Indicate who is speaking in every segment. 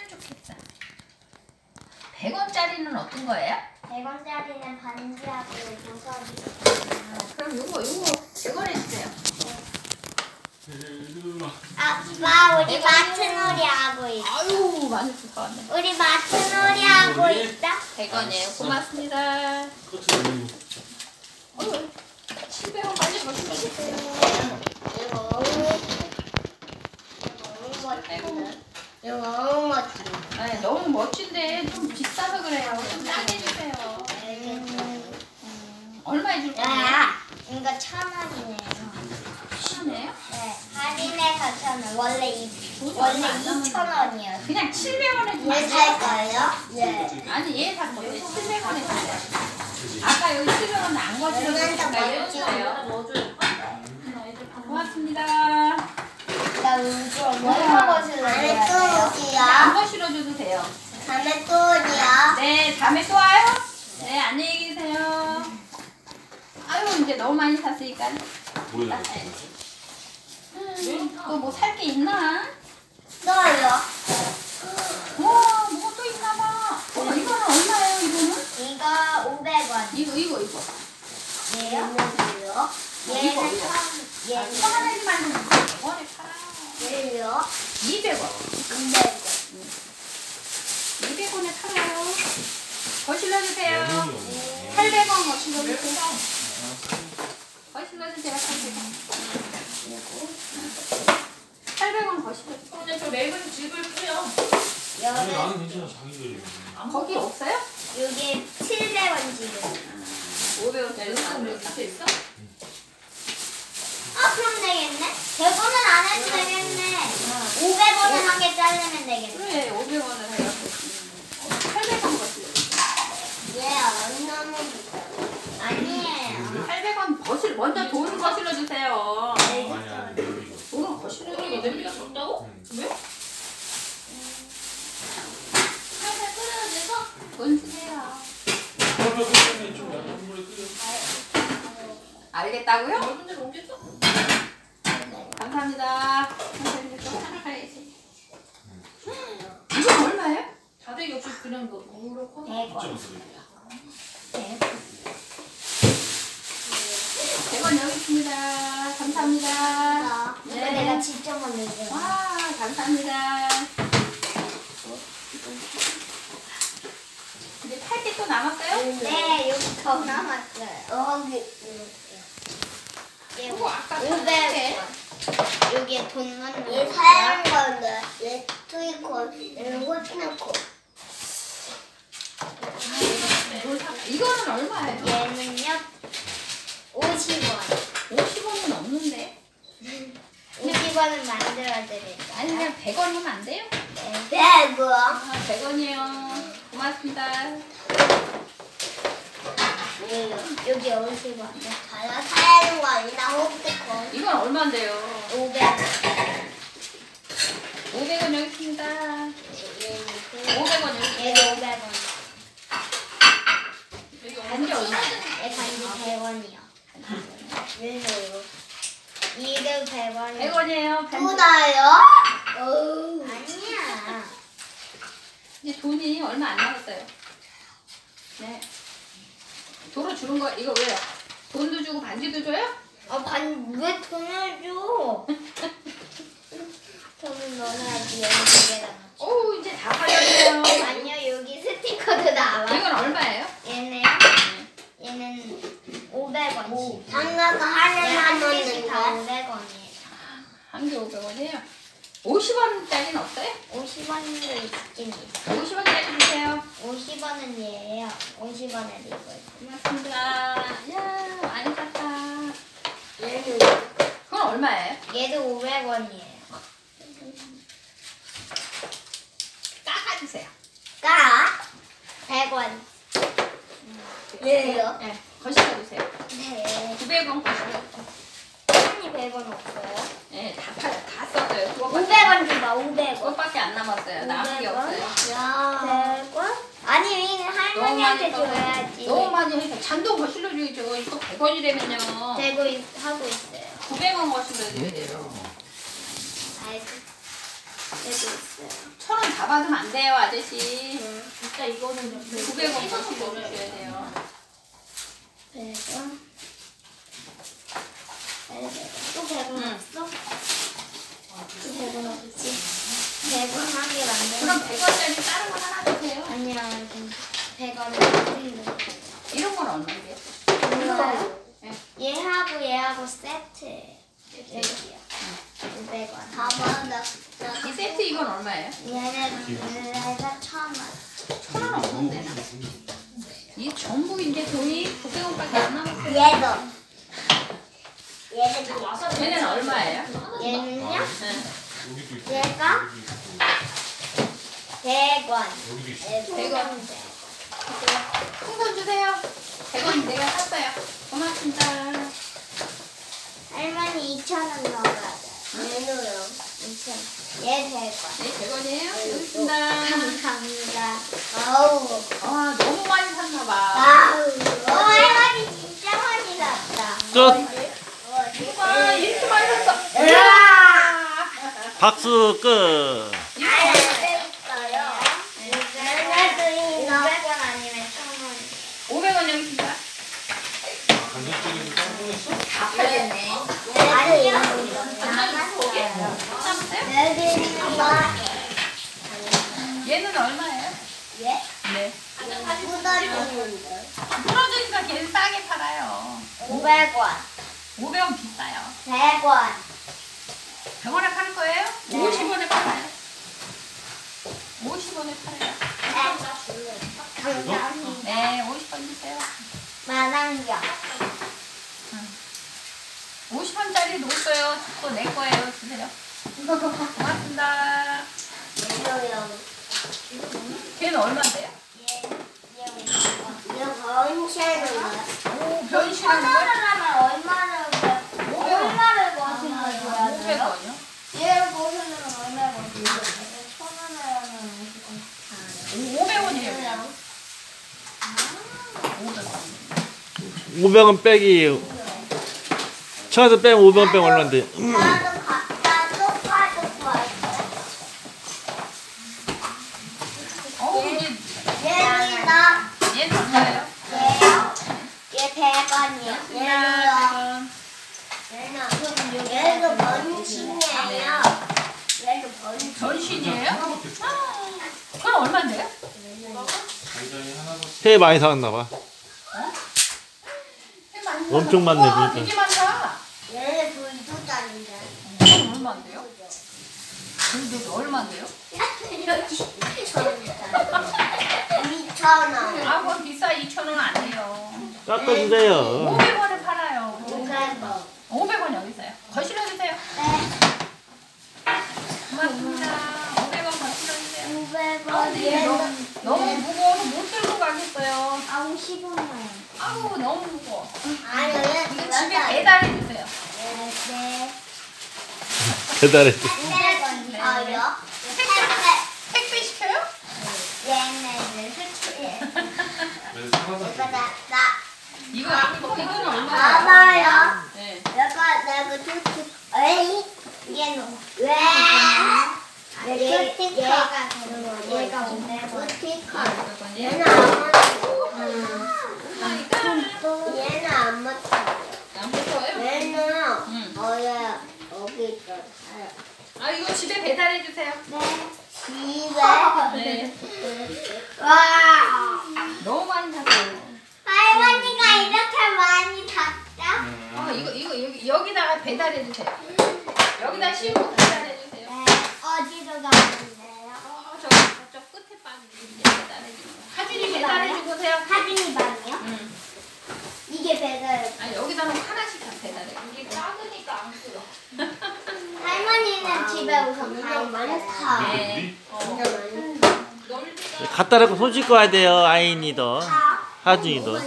Speaker 1: 좋겠다. 100원짜리는 어떤 거예요?
Speaker 2: 100원짜리는 반지하고 보석이.
Speaker 1: 그럼 요거 100원 해주세요.
Speaker 2: 아빠 우리 마트 놀이 하고 있어.
Speaker 1: 아유 많이 사왔네.
Speaker 2: 우리 마트 놀이 하고 있다.
Speaker 1: 100원이에요. 고맙습니다. 어휴 700원 빨리 거시면
Speaker 2: 이거 너무 멋지다.
Speaker 1: 네, 너무 멋진데 좀 비싸서 그래요. 좀 싸게 주세요. 얼마에 줄 거예요?
Speaker 2: 이거 1,000원이네요.
Speaker 1: 시네요?
Speaker 2: 네, 할인해서 1,000원. 원래 2,000원이었어요.
Speaker 1: 그냥 700원에 주면
Speaker 2: 얘 살 거예요? 네.
Speaker 1: 아니 얘 살 건데 700원에 주세요. 아까 여기 700원 안 거시러주니까 얘 주세요. 고맙습니다.
Speaker 2: 나 뭐 하고 싶어요?
Speaker 1: 안 거시러줘도 돼요.
Speaker 2: 다음에 또 어디야?
Speaker 1: 네, 다음에 또 와요. 네, 안녕히 계세요. 아유, 이제 너무 많이 샀으니까.
Speaker 3: 뭐야?
Speaker 1: 또 뭐 살 게 있나?
Speaker 2: 또요?
Speaker 1: 와, 뭐가 또 있나 봐. 이거는 얼마예요, 이거는?
Speaker 2: 이거 500원.
Speaker 1: 이거.
Speaker 2: 얘요?
Speaker 1: 이거.
Speaker 2: 얘는
Speaker 1: 이거 하나만 좀 100원에 팔아.
Speaker 2: 얘요?
Speaker 1: 200원.
Speaker 2: 200원.
Speaker 1: 200원에 팔아요. 거실러 주세요. 800원 거실러 주세요. 거실러 주세요. 800원 거실러 주세요.
Speaker 4: 근데 저 맵은 집을 뿌려.
Speaker 3: 아니 나는 괜찮아 자기들이.
Speaker 1: 거기 없어요?
Speaker 2: 여기 700원 지금.
Speaker 1: 500원짜리
Speaker 4: 내
Speaker 1: 안
Speaker 4: 밑에 있어?
Speaker 2: 그럼 되겠네? 100원은 안 해도 되겠네. 500원은 한 개 자르면 되겠네.
Speaker 1: 그래 500원을 해요. 800원 거실러 주세요.
Speaker 2: 너무 비싸. 아니에요.
Speaker 1: 800원 거실 먼저 돈 거실러 주세요.
Speaker 3: 아니 이거.
Speaker 1: 돈은 거실러
Speaker 4: 이거
Speaker 1: 주세요.
Speaker 4: 냄비가 적다고? 왜? 살살 끓여내서?
Speaker 1: 돈 주세요.
Speaker 3: 그러면 그러면 좀 약간 물에 끓여.
Speaker 1: 알겠다고요?
Speaker 4: 넓은 데로 옮겼어?
Speaker 1: 감사합니다. 선생님 좀 하나 가야지. 이건 얼마예요?
Speaker 4: 다대기 없이 그냥 너 너무 커.
Speaker 2: 100원.
Speaker 1: 100원 여기 있습니다. 감사합니다.
Speaker 2: 이거
Speaker 1: 네.
Speaker 2: 내가 직접 만들게.
Speaker 1: 와, 감사합니다. 이제 팔 게 또 남았어요?
Speaker 2: 네, 여기 더 남았어요.
Speaker 1: 이거 아까
Speaker 2: 500원. 여기에 돈만 넣어. 얘 사양 건데, 얘 트위콘, 얘는 호트나코.
Speaker 1: 이거는 얼마예요?
Speaker 2: 얘는요, 50원.
Speaker 1: 50원은 없는데.
Speaker 2: 50원은 만들어드릴까요?
Speaker 1: 아니 그냥 100원 하면 안 돼요?
Speaker 2: 네, 100원.
Speaker 1: 아, 100원이요. 고맙습니다.
Speaker 2: 여기 50원. 저요 사야는 거 아니다, 호트콘.
Speaker 1: 이건 얼마인데요?
Speaker 2: 500원.
Speaker 1: 500원 여기 있습니다. 500원 여기.
Speaker 2: 얘도 500원.
Speaker 1: 반지 얼마?
Speaker 2: 얘 반지 100원이요. 왜요? 이도 100원이요.
Speaker 1: 100원이에요.
Speaker 2: 또 나요? 아니야.
Speaker 1: 이제 돈이 얼마 안 남았어요. 네. 도로 주는 거 이거 왜요? 돈도 주고 반지도 줘요?
Speaker 2: 왜 돈을 줘? 돈을 넣어야지 여기 두 개다.
Speaker 1: 오 이제 다 팔렸네요.
Speaker 2: 아니요, 여기 스티커도 나와.
Speaker 1: 이건 얼마예요?
Speaker 2: 얘네요? 얘는 500원씩. 장가가 하나만 넣는 거. 500원이에요.
Speaker 1: 한 개 500원이에요. 50원짜리는 없어요?
Speaker 2: 50원도 있긴 있어.
Speaker 1: 50원짜리 주세요.
Speaker 2: 50원은 얘예요. 50원에 이거 있고.
Speaker 1: 고맙습니다. 야 많이 샀다.
Speaker 2: 얘는
Speaker 1: 그건 얼마예요?
Speaker 2: 얘도 500원이에요.
Speaker 1: 깎아주세요.
Speaker 2: 까 100원. 얘요?
Speaker 1: 네. 거실러 주세요.
Speaker 2: 네.
Speaker 1: 900원 거실러 주세요.
Speaker 2: 한이 100원 없어요?
Speaker 1: 네, 다 썼어요.
Speaker 2: 500원 줘봐, 500원.
Speaker 1: 그것밖에 안 남았어요. 남은 게 없어요.
Speaker 2: 야. 100원? 아니, 할머니한테 줘야지.
Speaker 1: 너무 많이 해서 잔돈 거실러 줘야죠. 이거 100원이라면요.
Speaker 2: 하고 있어요.
Speaker 1: 900원 거실러 줘야 돼요.
Speaker 2: 알겠어. 얘도 있어요.
Speaker 1: 1,000원 다 받으면 안 돼요, 아저씨.
Speaker 4: 진짜 이거는
Speaker 1: 900원 더 실어주셔야 돼요.
Speaker 2: 100원. 또 100원
Speaker 1: 응.
Speaker 2: 없어? 또 100원 없지? 100원 하게 만들어.
Speaker 1: 그럼 100원짜리 다른 거 하나 주세요.
Speaker 2: 아니야, 100원.
Speaker 1: 이런 건 얼마인데요?
Speaker 2: 몰라요.
Speaker 1: 네.
Speaker 2: 얘하고 세트. 여기요. 500원. 봐봐,
Speaker 1: 이 세트 이건 얼마예요?
Speaker 2: 얘가 1,000원.
Speaker 1: 1,000원 없는데. 이 전부 이제 돈이 900원밖에 안 남았어요.
Speaker 2: 얘도.
Speaker 1: 얘는 얼마예요?
Speaker 2: 얘는요?
Speaker 1: 네.
Speaker 3: 여기도 있고.
Speaker 2: 얘가?
Speaker 3: 여기도 있고.
Speaker 2: 100원.
Speaker 3: 여기도 있어.
Speaker 1: 100원. 풍선 주세요. 100원 내가 샀어요. 고맙습니다.
Speaker 2: 할머니 2,000원 넣어야 돼. 얘도요. 2,000원. 얘 100원.
Speaker 1: 네, 100원이에요. 여기 있습니다.
Speaker 2: 감사합니다. 아우.
Speaker 1: 와, 너무 많이 샀나봐.
Speaker 2: 아우. 할머니 진짜 많이 샀다.
Speaker 5: 끝.
Speaker 1: 와, 이렇게 많이 샀어.
Speaker 2: 으아!
Speaker 5: 박수 끝.
Speaker 2: 아, 어요 500원 아니면 1,000원.
Speaker 1: 500원 여기 있습니다.
Speaker 3: 간장찌개도 성공했어?
Speaker 1: 아파졌네.
Speaker 2: 아니요.
Speaker 1: 남았어요.
Speaker 2: 여기 있는 거.
Speaker 1: 얘는 얼마예요?
Speaker 2: 예?
Speaker 1: 네.
Speaker 2: 묻어주는데.
Speaker 1: 풀어주니까 걔는 싸게 팔아요.
Speaker 2: 500원.
Speaker 1: 500원 비싸요.
Speaker 2: 100원.
Speaker 1: 100원에 팔 거예요?
Speaker 2: 네.
Speaker 1: 50원에 팔아요. 50원에 팔아요.
Speaker 2: 감사합니다.
Speaker 1: 네, 50원 주세요.
Speaker 2: 만원경.
Speaker 1: 50원짜리 놓았어요. 또 내 거예요. 주세요. 고맙습니다.
Speaker 2: 얘도요.
Speaker 1: 걔는 얼마인데요?
Speaker 2: 이거 번시하는 거.
Speaker 1: 오, 변신하는 거?
Speaker 2: 하면 얼마를 버시는 거야?
Speaker 1: 500원이요?
Speaker 2: 얘를 버시는 건 얼마 버시는 거야? 1,000원을 하면
Speaker 1: 500원이에요, 그냥. 500원.
Speaker 5: 500원 빼기. 청와서 빼면 500원 빼면 얼마인데?
Speaker 2: 나도 갖다 똑같은 거
Speaker 1: 이게
Speaker 2: 얘는
Speaker 1: 얘는 얼마예요?
Speaker 2: 얘요? 얘 100원이요. 얘는요?
Speaker 1: 100원.
Speaker 2: 얘도 번신이에요. 얘도 번신.
Speaker 1: 전신이에요? 그건 얼마인데요?
Speaker 3: 간장이 하나만.
Speaker 5: 회 많이 사왔나 봐. 엄청 많네,
Speaker 1: 우와,
Speaker 5: 그러니까.
Speaker 1: 되게 많다.
Speaker 2: 얘는 불도다닌데.
Speaker 1: 그건 얼마인데요? 그래도 얼마인데요?
Speaker 2: 2,000원.
Speaker 1: 아, 그건 비싸. 2,000원 아니에요.
Speaker 5: 깎아주세요.
Speaker 1: 500원에 팔아요.
Speaker 2: 500원.
Speaker 1: 500원 여기 있어요. 거실어 주세요.
Speaker 2: 네.
Speaker 1: 고맙습니다. 500원 거실어 주세요.
Speaker 2: 500원.
Speaker 1: 이게 너무 무거워서 못 들고 가겠어요.
Speaker 2: 아우 15만.
Speaker 1: 아우, 너무 무거워.
Speaker 2: 아니 얘
Speaker 1: 이거 집에 배달해 주세요.
Speaker 2: 네.
Speaker 5: 배달해.
Speaker 2: 100원 더요.
Speaker 1: 택배 시켜요?
Speaker 2: 얘네는 수출해.
Speaker 3: 그래서 사과사
Speaker 2: 이거 나
Speaker 1: 이거는 얼마예요?
Speaker 2: 봐봐요.
Speaker 1: 네.
Speaker 2: 내가 수출. 에이 얘는 왜? 얘가 500원. 스티커. 얘는 얘는 안 맞다.
Speaker 1: 안 붙어요?
Speaker 2: 얘는
Speaker 1: 응.
Speaker 2: 여기 있어.
Speaker 1: 아, 이거 집에 배달해 주세요.
Speaker 2: 네. 집에.
Speaker 1: 네.
Speaker 2: 와.
Speaker 1: 너무 많이 샀어요.
Speaker 2: 할머니가 이렇게 많이 샀다?
Speaker 1: 이거 여기다가 배달해 주세요. 여기다 씌우고 배달해 주세요.
Speaker 2: 네. 어디로 가는데요?
Speaker 1: 저쪽 끝에 방 배달해 주세요. 하준이 배달해 주고 오세요.
Speaker 2: 하빈이 방이요?
Speaker 1: 응.
Speaker 2: 이게 배달.
Speaker 1: 아, 여기다 놓고 하나씩 다 배달해. 이게 작으니까 안 끌어.
Speaker 2: 할머니는 집에 우선 방 많다.
Speaker 1: 네.
Speaker 5: 갖다 놓고 손 씻고 와야 돼요. 아이니도. 하준이도.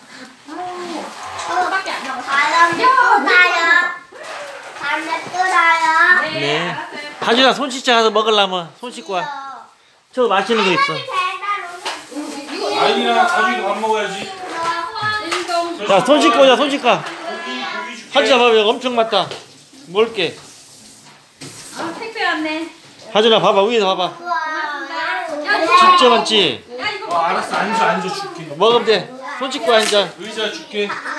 Speaker 1: 저거밖에 안 남았어.
Speaker 2: 바람에 또 나요. 바람에 또 나요.
Speaker 1: 네,
Speaker 5: 네.
Speaker 1: 알았어요.
Speaker 5: 하준아 손 씻자 가서 먹으려면 손 씻고 와. 저 맛있는 거 있어.
Speaker 2: 할머니 배달 오셨어요.
Speaker 3: 아이랑 가족이 밥 먹어야지.
Speaker 5: 야, 손 씻고 오자, 손 씻고.
Speaker 3: 고기 줄게.
Speaker 5: 하준아 봐봐, 여기 엄청 많다. 먹을게.
Speaker 1: 아, 택배 왔네.
Speaker 5: 하준아 봐봐 위에서 봐봐.
Speaker 2: 우와.
Speaker 5: 진짜 많지?
Speaker 1: 야 이거
Speaker 3: 알았어 앉아 줄게.
Speaker 5: 먹으면 돼. 손 씻고 앉아.
Speaker 3: 의자 줄게.